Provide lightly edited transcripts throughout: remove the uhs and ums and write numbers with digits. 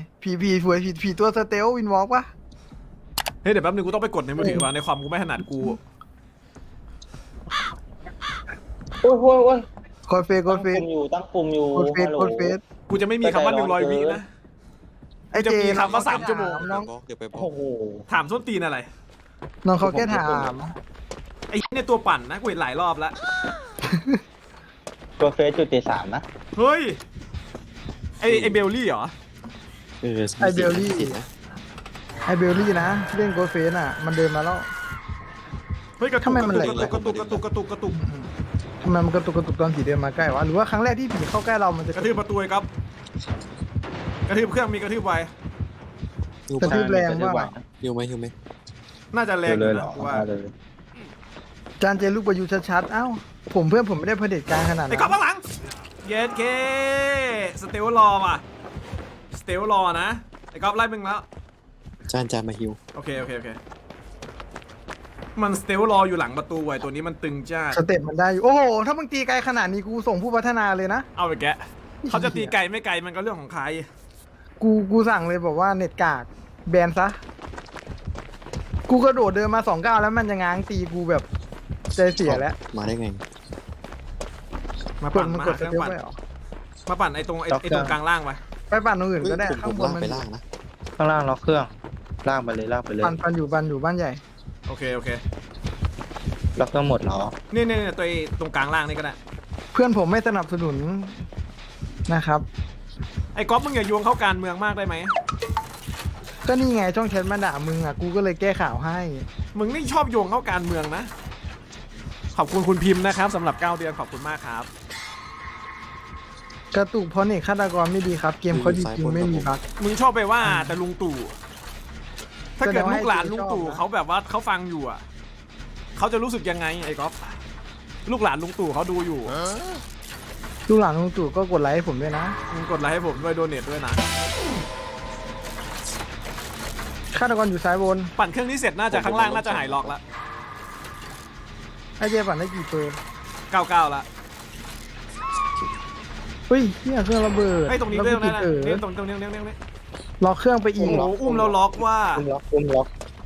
ผีสวยผีตัวสเตลวินวอล์กปะเฮ้ยเดี๋ยวแป๊บนึงกูต้องไปกดในมือถือว่ะในความกูไม่ถนัดกูโอ้ยกดเฟสตั้งปุ่มอยู่กดเฟสฮัลโหลกดเฟสกูจะไม่มีคำว่า100 วินะไอเจจะมีคำว่า3 ชั่วโมงน้องเดี๋ยวไปบอโอ้กโหถามส้นตีนอะไรน้องเขาแค่ถามไอ้เนี่ยตัวปั่นนะกูเห็นหลายรอบแล้วตัวเฟสจุดที่3นะเฮ้ยไอเบลลี่เหรอไอเบลลี่ไอเบลลี่นะเล่นกดเฟสอ่ะมันเดินมาแล้วเฮ้ยกระตุทำกไมกมันระแหลตุกกกระตุกทำไมมันกระตุกตอนผีเดินมาใกล้วะหรือว่าครั้งแรกที่ผีเข้าใกล้เรามันจะกระทืบประตูไอ้ครับกระทืบเครื่องมีกระทืบไวกระทืบแรงว่าหิวไหมน่าจะแรงอยู่นะกูว่าเลยจานเจลูกประยุทธ์ชัดๆเอ้าผมเพื่อนผมไม่ได้เผด็จการขนาดไอ้นั้นก๊อฟข้างหลังเย็ดเคสเตลรอว่ะสเตลรอนะไอ้ก๊อฟไล่มึงแล้วจานมาหิวโอเคมันสเตลรออยู่หลังประตูไว้ตัวนี้มันตึงจ้าสเต็ปมันได้อยู่โอ้โหถ้ามึงตีไกลขนาดนี้กูส่งผู้พัฒนาเลยนะเอาไปแกะเขาจะตีไกลไม่ไกลมันก็เรื่องของใครกูสั่งเลยบอกว่าเน็ตกากแบนซะกูกระโดดเดินมา2 ก้าวแล้วมันจะง้างตีกูแบบใจเสียแล้วมาได้ไงมาก ปั่ดนมันมากดเคสรื่องเต็ปปั่นไปหรอมาปั่นไอ้ตรงกลางล่างไปไปปั่นตรงอื่นก็ได้ผข้างมบนลากมันไปล่างนะข้างล่างล็อกเครื่องล่างไปเลยปั่นอยู่บ้านใหญ่โอเคล็อกเครื่องหมดเหรอนี่ตัวตรงกลางล่างนี่ก็ได้เพื่อนผมไม่สนับสนุนนะครับไอ้ก๊อฟมึงอย่าโยงเข้าการเมืองมากได้ไหมก็นี่ไงช่องแชทมาด่ามึงอ่ะกูก็เลยแก้ข่าวให้มึงนี่ชอบโยงเข้าการเมืองนะขอบคุณคุณพิมพ์นะครับสำหรับ9 เดือนขอบคุณมากครับกระตุกเพราะเน็ตฆาตกรไม่ดีครับ เกมเขาดีจริงไม่มีบั๊กมึงชอบไปว่าแต่ลุงตู่ถ้าเกิดแสดงว่าลูกหลานลุงตู่ให้ชอบนะเขาแบบว่าเขาฟังอยู่อ่ะเขาจะรู้สึกยังไงไอ้ก๊อฟลูกหลานลุงตู่เขาดูอยู่ลูกหลานลุงตู่ก็กดไลค์ให้ผมด้วยนะมึงกดไลค์ให้ผมด้วยโดเนทด้วยนะฆาตกรอยู่ซ้ายบนปั่นเครื่องนี้เสร็จน่าจะข้างล่างน่าจะหายล็อกละไอเจปั่นได้กี่เปอร์ 99ละเฮ้ยเนี่ยเครื่องระเบิดไอ้ยตรงนี้แล้วเรื่องกูนั้นนะติดเนี่ยตรงนี้ล็อกเครื่องไปอีโอ้กโหอุ้มแล้วล็อกว่าอุ้มล็อก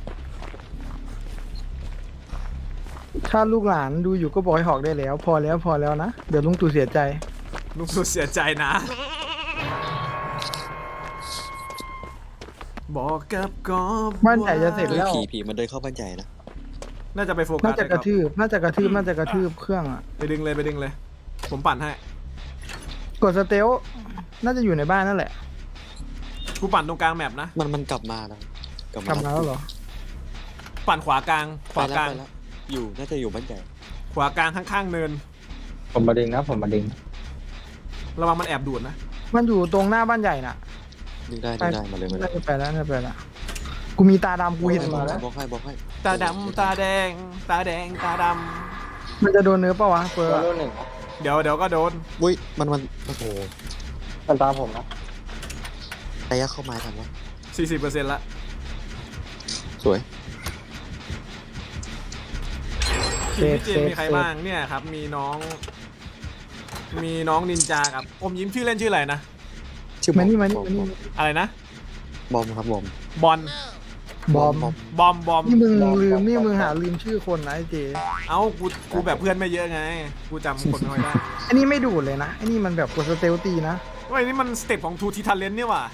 ถ้าลูกหลานดูอยู่ก็บอกให้หอกได้แล้ว พอแล้วนะเดี๋ยวลุงตู่เสียใจลุงสุดเสียใจนะบอกกับกอบบ้านใหญ่จะเสร็จเฮ้ยแล้วผีมันเดินเข้าบ้านใหญ่นะน่าจะไปโฟกัน่าสจะกระทืบเครื่องอ่ะไปดึงเลยผมปั่นให้กดสเตลน่าจะอยู่ในบ้านนั่นแหละกูปั่นตรงกลางแมปนะมันกลับมาแล้วกลับมาแล้วเหรอปั่นขวากลางไปแล้วอยู่น่าจะอยู่บ้านใหญ่ขวากลางข้างๆเนินผมมาดึงนะระวังมันแอบดูดนะมันอยู่ตรงหน้าบ้านใหญ่น่ะดึงได้มาเลยน่าจะไปแล้วกูมีตาดำกูเห็นมาแล้วบอกให้ตาดำตาแดงตาดมันจะโดนเนื้อปะวะเปิร์ตัวหนึ่งำเดี๋ยวก็โดนอุ้ยมันโอ้โหมันตามผมนะระยะเข้ามาทันวะ 40%ละสวยทีมพี่เจมมีใครบ้างเนี่ยครับมีน้องนินจากับอมยิ้มชื่อเล่นชื่ออะไรนะชื่อมานี่อะไรนะบอมครับบอมบอลบอมบอมนี่มึงหาลืมชื่อคนนะไอเจเอ้ากูแบบเพื่อนไม่เยอะไงกูจำคนไม่ค่อยได้อันนี้ไม่ดูดเลยนะอันนี้มันแบบกดสเตลตีนะเว้ยนี่มันสเต็ปของทูทีทันเลนเนี่ยว่ะ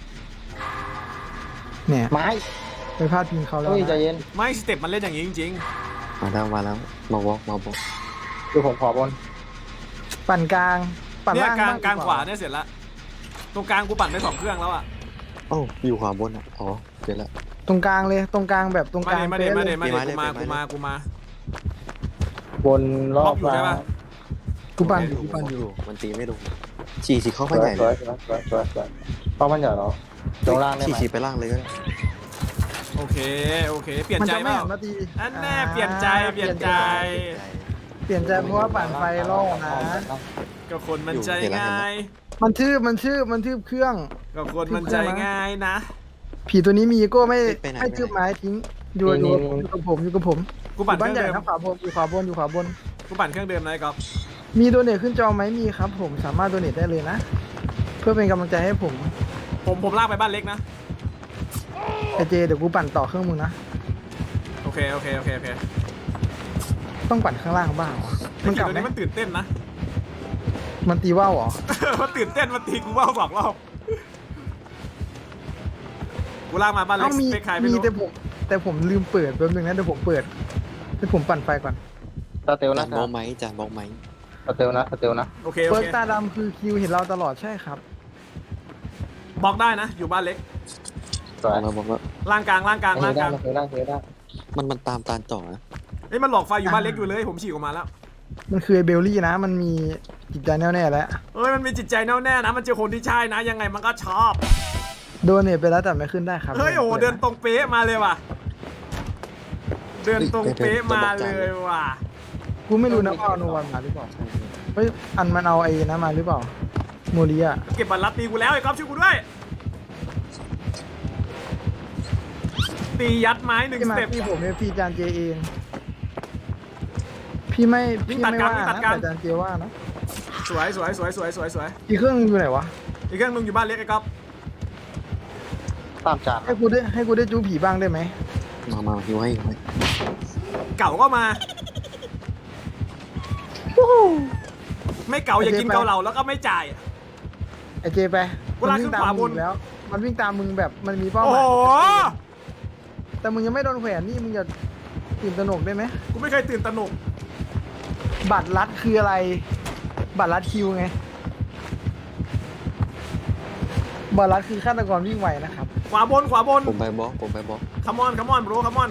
เนี่ยไม้ไปพลาดพิงเขาแล้วเฮ้ยใจนะเย็นไม่สเต็ปมันเล่นอย่างนี้จริงมาแล้วมาบอกคือผมขอบนปั่นกลางๆปั่นเนี่ยล่างกลางบ้กลางขวาเนี่ยเสร็จละตรงกลางกูปั่นไป2 เครื่องแล้วอ่ะเอ้าอยู่ขวาบนอ่ะอ๋อเจอแล้วตรงกลางเลยตรงกลางแบบตรงกลางมาป๊ะเดเลยกูมาบนรอบอยู่ใช่ปะกูปั่นอยู่มันตีไม่ลงฉี่เข้าบ้านใหญ่สวยเข้าบ้านใหญ่เหรอตรงล่างได้ไหมฉี่ไปล่างเลยก็ได้โอเคเปลี่ยนมันใจจะเปไม่ล่าหันมาตีอันแน่เปลี่ยนใจเปลี่ยนใจเพราะว่าปั่นไฟล่อนะก็คนมันใจง่ายมันทืบเครื่องก็คนมันใจง่ายนะผีตัวนี้มีอีโก้ไม่ทืบไม้ทิ้งอยู่กับผมกูปั่นเคบ้านรื่องใหญ่เดิมนะขวาบนอยู่ขวาบนกูปั่นเครื่องเดิมนะไอ้ก๊อฟมีโดเนทขึ้นจอไหมมีครับผมสามารถโดเนทได้เลยนะ เพื่อเป็นกำลังใจให้ผมผมลากไปบ้านเล็กนะไอเจเดี๋ยวกูปั่นต่อเครื่องมึงนะโอเคโอเคโอเคโอเคต้องปั่นข้างล่างบ้างเหรอมันกลับตัวไหมนี้มันตื่นเต้นนะมันตีว่าวเหรอมันตื่นเต้นมันตีกูว่าว2 รอบกูลากมาบ้านเล็กเอ้ามีไปใครไม่มีรู้แต่ผมลืมเปิดแป๊บนึงนะเดี๋ยวผมเปิดให้ผมปั่นไฟก่อนสเตลจานะนบล็อกไหมจานบล็อกไหมสเตลนะสเตลนะโอเคโอเปิดเคตาดำคือคิวเห็นเราตลอดใช่ครับบล็อกได้นะ อยู่บ้านเล็กสวยเราบอกว่าล่างกลางล่างกลางเฮล่างกได้ลางเฮได้เฮได้มันตามตานต่อนะเฮ้ยมันหลอกไฟอยู่บ้านเล็กอยู่เลยผมฉีกออกมาแล้วมันคือไอเบลลี่นะ มันมีจิตใจแน่วแน่แล้วเฮ้ยมันมีจิตใจแน่วแน่นะมันเจอคนที่ใช่นะยังไงมันก็ชอบโดนเนี่ยไปแล้วแต่ไม่ขึ้นได้ครับเฮ้ยโอ้โหเดินตรงเป๊ะมาเลยว่ะเดินตรงเป๊ะมาเลยว่ะกูไม่รู้นะว่าเอาโนวันมาหรือเปล่าเฮ้ยอันมันเอาไอ้นะมาหรือเปล่าโมริอะเก็บบัตรลัดตีกูแล้วไอ้ก๊อฟช่วยกูด้วยตียัดไม้1 พี่สมาเต็ปพี่ผมเนี่ยพี่จานเจเอง พี่ไม่วิ่พี่งตัดไม่กลางว่าวิ่งตันะดกลางแต่จานเจว่านะสวยสวยสวยสวยสวยสวยอีกเครื่องนึงอยู่ไหนวะอีกเครื่องนึงอยู่บ้านเล็กไอ้ก๊อฟตามจานให้กูได้จูผีบ้างได้ไหมมาหิวให้เก่าก็มา ไม่เก่าอย่ากินเกาเหลาแล้วก็ไม่จ่ายไอเจไปกูลากขึ้นขวาบนมึงแล้ว มันวิ่งตามมึงแบบมันมีเป้าหโอ้มายโหแต่มึงยังไม่โดนแขวนนี่มึงจะตื่นตระหนกได้ไหมกูไม่เคยตื่นตระหนกบัตรลัดคืออะไร บัตรลัดคิวไง บัตรลัดคือฆาตกรวิ่งไวนะครับขวาบนขวาบนผมไปบล็อกคัมอนคัมอนบรูคัมอน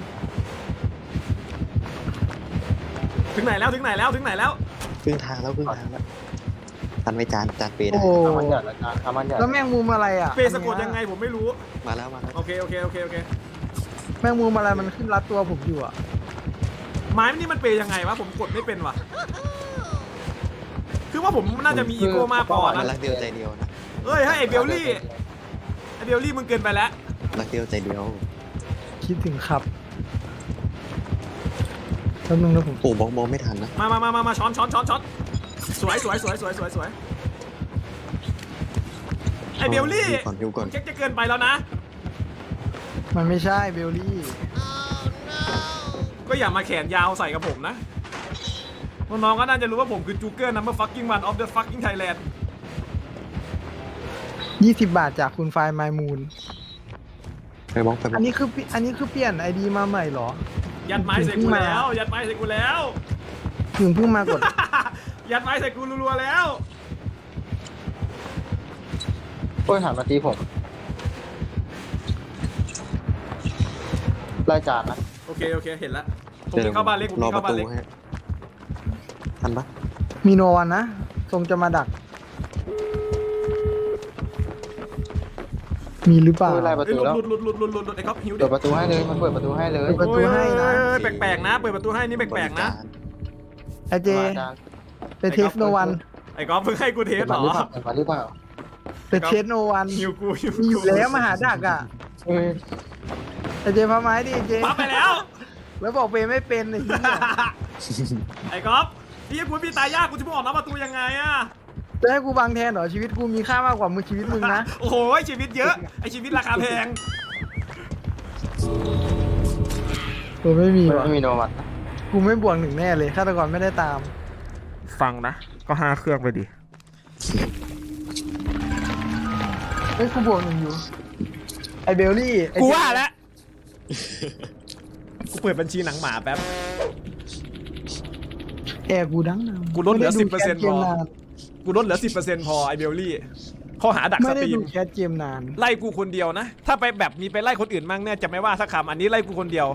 ถึงไหนแล้วถึงไหนแล้วถึงไหนแล้วครึ่งทางแล้วทันไว้จานเปย์ได้โอ้ทำมันใหญ่ละจานทำมันใหญ่แล้วแมงมุมอะไรอ่ะเปสะกดยังไงผมไม่รู้มาแล้วโอเคโอเคโอเคโอเคแมงมุมอะไรมันขึ้นรัดตัวผมอยู่อ่ะไม้นี่มันเปยังไงวะผมกดไม่เป็นว่ะคือว่าผมน่าจะมีอีโก้มากพอมานะรักเดียวใจเดียวนะเฮ้ยให้ไอ้เบลลี่ไอ้เบลลี่มึงเกินไปแล้วรักเดียวใจเดียวคิดถึงครับแป๊บนึงนะผมโอ้บล็อกมองไม่ทันนะมาช้อนสวยไอ้เบลลี่หิวก่อนเจ๊กจะเกินไปแล้วนะมันไม่ใช่เบลลี่ก็อย่ามาแขนยาวใส่กับผมนะน้องๆก็น่าจะรู้ว่าผมคือจูเกอร์นัมเบอร์ฟักกิ้งวันออฟเดอะฟักกิ้งไทยแลนด์ 20 บาทจากคุณไฟล์ไมมูนไปบล็อกอันนี้คือเปลี่ยนไอดีมาใหม่เหรอยัดไม้ใส่กูแล้วยัดไม้ใส่กูแล้วถึงเพิ่งมากดยัดไม้ใส่กูรัวๆแล้วโอ้ยหันมาตีผมไล่จานนะโอเคเห็นแล้วผมจะเข้าบ้านเล็กผมรอจะปเข้าระบ้านตูเล็กให้ทันปะมีโนวันนะทรงจะมาดัก มีหรือเปล่าโอ้ยไล่ประเอ้ยตูแล้วหลุดไอ้ก๊อฟหิวดิเปิดประตูให้เลยมันเปิดประตูให้เลยเปิดประตูให้นะโอ้ยแปลกๆนะเปิดประตูให้นี่แปลกๆนะไอเจมาจานไปเทสโนวันไอ้ก๊อฟเพิ่งให้กูเทเปิสดเหรมาอหรือเปล่าเปิดมาหรือเปล่าไปเทสโนวันหิวกูมีอยู่แล้วมาหาดักอ่ะเฮ้ยไอเจพาไม้ดิไอเจปั๊บไปแล้วแล้วบอกเปย์ไม่เป็นไอ้เหี้ยไอ้ก๊อฟพี่กูพี่ตายยากกูจะมึงออกนอกประตูยังไงอะจะให้กูบังแทนเหรอชีวิตกูมีค่ามากกว่ามึงชีวิตมึงนะโอ้โหชีวิตเยอะไอ้ชีวิตราคาแพงกูไม่มีว่ะไม่มีโนวัตกูไม่บวกหนึ่งแน่เลยฆาตกรไม่ได้ตามฟังนะก็5 เครื่องไปดิเฮ้ยกูบวกหนึ่งอยู่ ไอเบลลี่ไอ้กูเจว่าแล้วกูเปิดบัญชีหนังหมาแป๊บแอร์กูดังนะกูลดเหลือไม่ไ 10% แคสเกมนานกูลดเหลือ 10%พอไอเบลลี่ข้อหาดักไม่สได้ตรีดูมแคสเกมนานไล่กูคนเดียวนะ ถ้าไปแบบมีไปไล่คนอื่นมั่งเนี่ยจะไม่ว่าสักคำอันนี้ไล่กูคนเดียว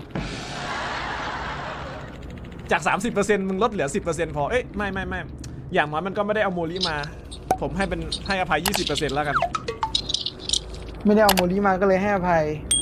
จาก 30%มึงลดเหลือ 10%พอเอ้ยไม่อย่างน้อยมันก็ไม่ได้เอาโมลิมา ผมให้อภัย 20%แล้วกันไม่ได้เอาโมลีมาก็เลยให้อภัย